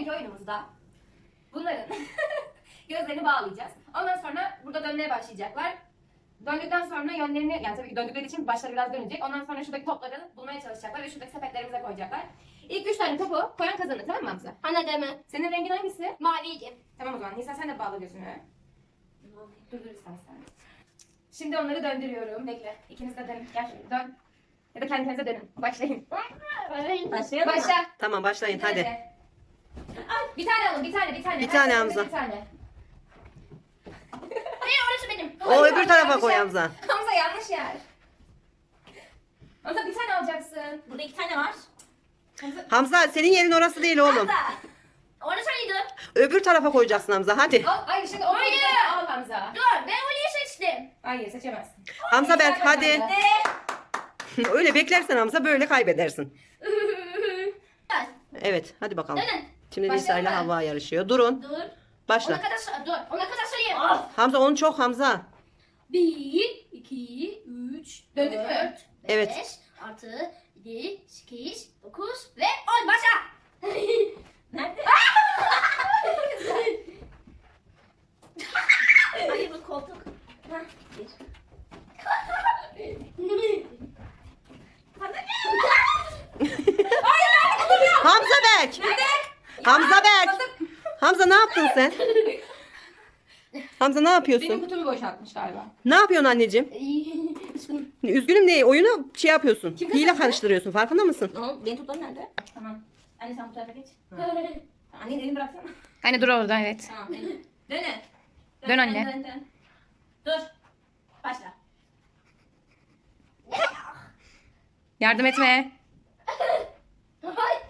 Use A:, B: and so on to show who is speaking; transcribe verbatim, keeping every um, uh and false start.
A: sonraki oyunumuzda bunların gözlerini bağlayacağız. Ondan sonra burada dönmeye başlayacaklar. Döndükten sonra yönlerini, yani tabii ki döndükleri için başları biraz dönecek. Ondan sonra şuradaki topları bulmaya çalışacaklar ve şuradaki sepetlerimize koyacaklar. İlk üç tane topu koyan kazanır, tamam mı Hamza?
B: Anladın mı?
A: Senin rengin hangisi?
B: Maviydi.
A: Tamam o zaman. Nisa sen de bağla gözünü. Dur dur istersen. Şimdi onları döndürüyorum. Bekle. İkiniz de dönün. Gel şöyle dön. Ya da kendi kendinize dönün. Başlayın.
B: Başlayalım mı?
A: Başla.
C: Tamam başlayın hadi.
A: Ay, bir tane alın, bir tane, bir tane.
C: Bir
A: Her
C: tane
A: seferinde
C: Hamza.
A: Bir tane.
B: Hayır orası benim.
C: O öbür tarafa
A: yanlış
C: koy
A: yer.
C: Hamza.
A: Hamza yanlış yer. Hamza bir tane alacaksın.
B: Burada iki tane var.
A: Hamza.
C: Hamza senin yerin orası değil oğlum.
B: Hamza. Orası mıydı?
C: Öbür tarafa koyacaksın Hamza hadi.
A: Al, hayır şimdi o
B: Hayır.
A: al Hamza.
B: Dur ben orayı seçtim.
A: Hayır seçemezsin.
C: Hamza Berk hadi.
A: Hamza.
B: Ne?
C: Öyle beklersen Hamza böyle kaybedersin.
B: Gel.
C: Evet hadi bakalım.
B: Dönün.
C: Şimdi
A: Başlayalım
C: Nisa ile
A: mı?
C: Havva yarışıyor. Durun.
B: Dur. Ona
C: Başla.
B: kadar sa- dur. Ona kadar sayayım.
C: Hamza onu çok Hamza.
B: Bir, iki, üç,
A: Döndük mü?
B: dört,
C: Evet.
B: beş, altı, yedi, sekiz, dokuz ve on. Başla. Nerede? Hayır bu koltuk. Ha, bir.
C: Hamza Berk. Hamza Berk. Hamza ne yaptın sen? Hamza ne
A: Benim
C: yapıyorsun?
A: kutumu boşaltmış galiba.
C: Ne yapıyorsun anneciğim?
B: Üzgünüm.
C: Üzgünüm ne? Oyunu şey yapıyorsun.
A: Kim
C: Hile
A: kazandı?
C: karıştırıyorsun. Farkında mısın?
B: Oğlum benim toplarım nerede?
A: Tamam.
B: Anne sen bu tarafa geç.
A: Anne elini bıraksana.
D: Anne dur orada evet.
B: Tamam. Dönün. Dönün.
D: Dön anne.
B: Dön, dön, dön. Dur. Başla.
D: Yardım etme.
B: Hayır.